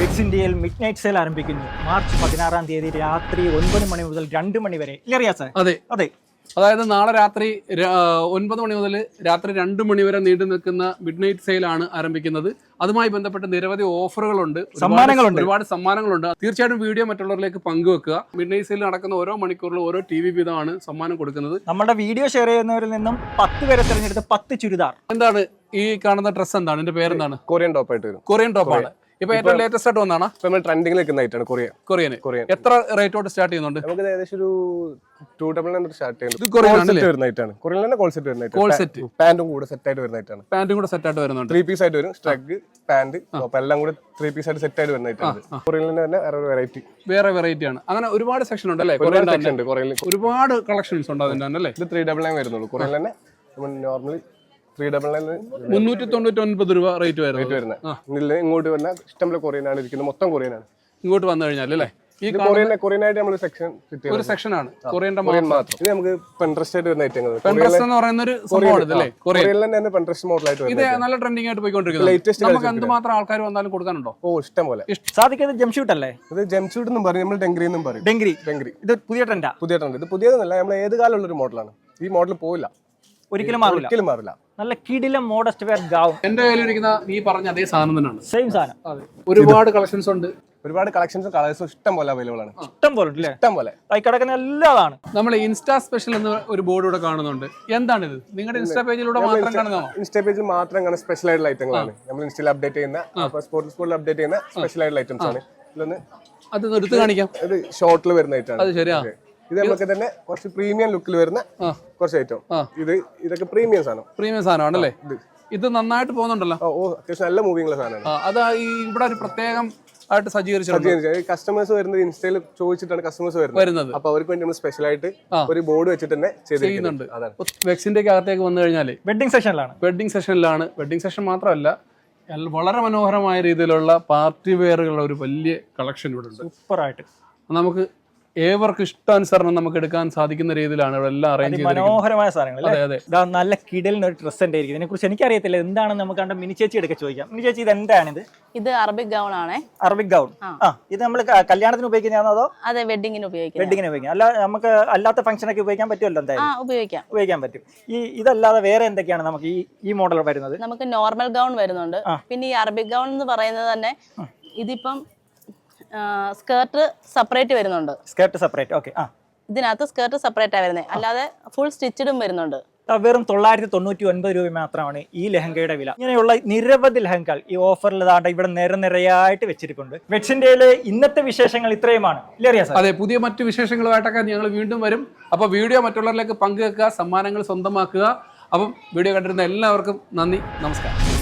വെക്സ് ഇന്ത്യയിൽ midnight sale ആരംഭിക്കുന്നു. March 16-ാം തീയതി രാത്രി 9 മണി മുതൽ 2 മണി വരെ. അതെ അതെ, അതായത് നാളെ രാത്രി 9 മണി മുതൽ രാത്രി 2 മണി വരെ നീണ്ടു നിൽക്കുന്ന മിഡ് നൈറ്റ് സെയിലാണ് ആരംഭിക്കുന്നത്. അതുമായി ബന്ധപ്പെട്ട് നിരവധി ഓഫറുകളുണ്ട്, ഒരുപാട് സമ്മാനങ്ങളുണ്ട്. തീർച്ചയായിട്ടും വീഡിയോ മറ്റുള്ളവരിലേക്ക് പങ്കുവെക്കുക. മിഡ് നൈറ്റ് സെയിൽ നടക്കുന്ന ഓരോ മണിക്കൂറിലും ഓരോ TV വീതമാണ് സമ്മാനം കൊടുക്കുന്നത്. നമ്മുടെ വീഡിയോ ഷെയർ ചെയ്യുന്നവരിൽ നിന്നും 10 പേരെ തിരഞ്ഞെടുത്ത് 10 ചുരിദാർ. എന്താണ് ഈ കാണുന്ന ഡ്രസ്സ്? എന്താണ് ഇതിന്റെ പേരെന്താണ്? കൊറിയൻ ടോപ്പ് ആയിട്ട് വരും. കൊറിയൻ ടോപ്പാണ്. ഇപ്പൊ ഏറ്റവും ലേറ്റസ്റ്റ് ആയിട്ട് വന്നാണ് നമ്മൾ ട്രെൻഡിംഗിൽ നിൽക്കുന്ന ഐറ്റാണ് കൊറിയൻ. എത്ര റേറ്റോട്ട് സ്റ്റാർട്ട് ചെയ്യുന്നുണ്ട്? നമുക്ക് ഏകദേശം ഒരു 299 സ്റ്റാർട്ട് ചെയ്യുന്നത്. ഇത് കൊറിയൻ വരുന്ന ഐറ്റാണ്. കൊറിയൻ തന്നെ കോൾ സെറ്റ് വരുന്ന പാന്റും കൂടെ സെറ്റ് ആയിട്ട് വരുന്ന ഐറ്റാണ്. പാന്റും കൂടെ സെറ്റ് ആയിട്ട് വരുന്നുണ്ട്. 3 പീസ് ആയിട്ട് വരും. സ്ട്രഗ്, പാന്റ്, എല്ലാം കൂടെ 3 പീസ് ആയിട്ട് സെറ്റ് ആയിട്ട് വരുന്ന ഐറ്റാണ്. കൊറിയൻ തന്നെ വേറെ വെറൈറ്റി ആണ്. അങ്ങനെ ഒരുപാട് സെക്ഷൻ ഉണ്ട് അല്ലേ? ഒരുപാട് കളക്ഷൻസ് ഉണ്ട് അതിന്റെ അല്ലേ? ഇത് 399 വരുന്നുള്ളൂ. കൊറിയൻ തന്നെ നോർമലി 399 399 രൂപ റേറ്റ് വരുന്നത്. ഇങ്ങോട്ട് വന്ന ഇഷ്ടംപോലെ കൊറിയനാണ് ഇരിക്കുന്നത്. മൊത്തം കൊറിയനാണ് ഇങ്ങോട്ട് വന്നു കഴിഞ്ഞാൽ അല്ലേ? ഈ കൊറിയനായിട്ട് നമ്മൾ ഒരു സെക്ഷനാണ് കൊറിയൻ മാത്രം. ഇത് നമുക്ക് പെൻട്രസ്റ്റ് ആയിട്ട് വരുന്ന ഐറ്റങ്ങൾ. പെൻട്രസ്റ്റ് എന്ന് പറയുന്ന ഒരു സംഭവമാണ് ഇതല്ലേ? കൊറിയനിൽ തന്നെ പെൻട്രസ്റ്റ് മോഡലായിട്ട് ഇത് നല്ല ട്രെൻഡിംഗ് ആയിട്ട് പോയിക്കൊണ്ടിരിക്കുന്നത്. നമുക്ക് എന്തുമാത്രം ആൾക്കാർ വന്നാലും കൊടുക്കാനുണ്ടോ? ഇഷ്ടം പോലെ. സാധിക്കുന്നത് ജംഷൂട്ട് അല്ലേ? ഇത് ജംഷൂട്ട് എന്നും പറയും, നമ്മൾ ഡെങ്കറി എന്നും പറയും. ഡെങ്കറി ഇത് പുതിയ ട്രെൻഡ്. ഇത് പുതിയതൊന്നല്ല, നമ്മൾ ഏത് കാലമുള്ള ഒരു മോഡലാണ്. ഈ മോഡൽ പോയില്ല, ഒരിക്കലും മാറില്ല. നല്ല കിടിലം മോഡസ്റ്റ് വെയർ ഗൗൺ. എന്റെ കയ്യിലിരിക്കുന്ന ഈ പറഞ്ഞ അതേ സാധനം തന്നെയാണ്. സെയിം സാധനം. ഒരുപാട് കളക്ഷൻസ് ഉണ്ട്. ഒരുപാട് കളക്ഷൻസും കളേഴ്സും ഇഷ്ടം പോലെ അവൈലബിൾ ആണ്. ഇഷ്ടം പോലെ കിടക്കുന്ന എല്ലാതാണ്. നമ്മൾ ഇൻസ്റ്റാ സ്പെഷ്യൽ എന്ന ഒരു ബോർഡ് ഇവിടെ കാണുന്നുണ്ട്. എന്താണിത്? നിങ്ങളുടെ ഇൻസ്റ്റാ പേജിലൂടെ മാത്രം കാണുന്നതാണോ? ഇൻസ്റ്റാ പേജിൽ മാത്രം കാണുന്ന സ്പെഷ്യൽ ആയിട്ടുള്ള ഐറ്റങ്ങളാണ്. നമ്മൾ ഇൻസ്റ്റയിൽ അപ്ഡേറ്റ് ചെയ്യുന്ന സ്പോർട്സിൽ അപ്ഡേറ്റ് ചെയ്യുന്ന സ്പെഷ്യൽ ആയിട്ടുള്ള ഐറ്റംസ് ആണ്. അത് എടുത്ത് കാണിക്കാം. ഇത് ഷോർട്ടിൽ വരുന്ന ഐറ്റം. അത് ശരിയാ. ഇത് നമുക്ക് തന്നെ കുറച്ച് പ്രീമിയം ലുക്കിൽ വരുന്ന കുറച്ച് ഐറ്റം. ഇതൊക്കെ പ്രീമിയം സാധനമാണല്ലേ? ഇത് നന്നായിട്ട് പോകുന്നുണ്ടല്ലോ. അത്യാവശ്യം നല്ല മൂവിംഗ് സാധനമാണ്. അത് ഇവിടെ ഒരു പ്രത്യേകം ആയിട്ട് സജ്ജീകരിച്ചിട്ടുണ്ട്. കസ്റ്റമേഴ്സ് വരുന്നത് ഇൻസ്റ്റയിൽ ചോദിച്ചിട്ടാണ് കസ്റ്റമേഴ്സ് വരുന്നത്. അപ്പൊ അവർക്ക് വേണ്ടി നമ്മൾ സ്പെഷ്യൽ ആയിട്ട് ഒരു ബോർഡ് വെച്ചിട്ട് തന്നെ ചെയ്യുന്നുണ്ട്. വെക്സിന്റെ അകത്തേക്ക് വന്നു കഴിഞ്ഞാൽ വെഡിങ് സെഷനിലാണ്. വെഡിങ് സെഷൻ മാത്രമല്ല, വളരെ മനോഹരമായ രീതിയിലുള്ള പാർട്ടി വെയറുകളുടെ ഒരു വലിയ കളക്ഷൻ ഇവിടെ ഉണ്ട്. സൂപ്പറായിട്ട് നമുക്ക് ഏവർക്കും ഇഷ്ടാനുസരണം നമുക്ക് എടുക്കാൻ സാധിക്കുന്ന രീതിയിലാണ് ഇവിടെ എല്ലാം അറേഞ്ച് ചെയ്തിരിക്കുന്നത്. മനോഹരമായ സാധനങ്ങൾ. നല്ല കിടലിന് ഒരു ഡ്രസ് ഉണ്ട്. ഇതിനെ കുറിച്ച് എനിക്കറിയത്തില്ല, എന്താണെന്ന് നമുക്ക് കണ്ട മിനി ചേച്ചി എടുക്കാൻ ചോദിക്കാം. മിനി ചേച്ചി, ഇത് എന്താണിത്? ഇത് അറബിക് ഗൗൺ ആണ്. Arabic gown. ഇത് നമ്മൾ കല്യാണത്തിന് ഉപയോഗിക്കുന്നതാണോ അതോ? അതെ, വെഡിങ്ങിന് ഉപയോഗിക്കാം. അല്ല, നമുക്ക് അല്ലാത്ത ഫംഗ്ഷനൊക്കെ ഉപയോഗിക്കാൻ പറ്റുമല്ലോ? എന്തായാലും ഉപയോഗിക്കാൻ പറ്റും. ഇതല്ലാതെ വേറെ എന്തൊക്കെയാണ് നമുക്ക് ഈ മോഡൽ വരുന്നത്? നമുക്ക് നോർമൽ ഗൗൺ വരുന്നുണ്ട്. പിന്നെ ഈ അറബിക് ഗൗൺ എന്ന് പറയുന്നത് തന്നെ ഇതിപ്പം സ്കേർട്ട് സെപ്പറേറ്റ് വരുന്നുണ്ട്. ഇതിനകത്ത് സ്കേർട്ട് സെപ്പറേറ്റ് ആ വരുന്നത്, അല്ലാതെ ഫുൾ സ്റ്റിച്ചഡും വരുന്നുണ്ട്. വെറും 999 രൂപ മാത്രമാണ് ഈ ലെഹങ്കയുടെ വില. ഇങ്ങനെയുള്ള നിരവധി ലെഹങ്കകൾ ഈ ഓഫറിൽ ഇവിടെ നിരനിരയായിട്ട് വെച്ചിട്ടുണ്ട്. വെക്സ് ഇന്ത്യയിലെ ഇന്നത്തെ വിശേഷങ്ങൾ ഇത്രയുമാണ്. അതെ, പുതിയ മറ്റു വിശേഷങ്ങളുമായിട്ടൊക്കെ ഞങ്ങൾ വീണ്ടും വരും. അപ്പോൾ വീഡിയോ മറ്റുള്ളവരിലേക്ക് പങ്കുവെക്കുക, സമ്മാനങ്ങൾ സ്വന്തമാക്കുക. അപ്പം വീഡിയോ കണ്ടിരുന്ന എല്ലാവർക്കും നന്ദി, നമസ്കാരം.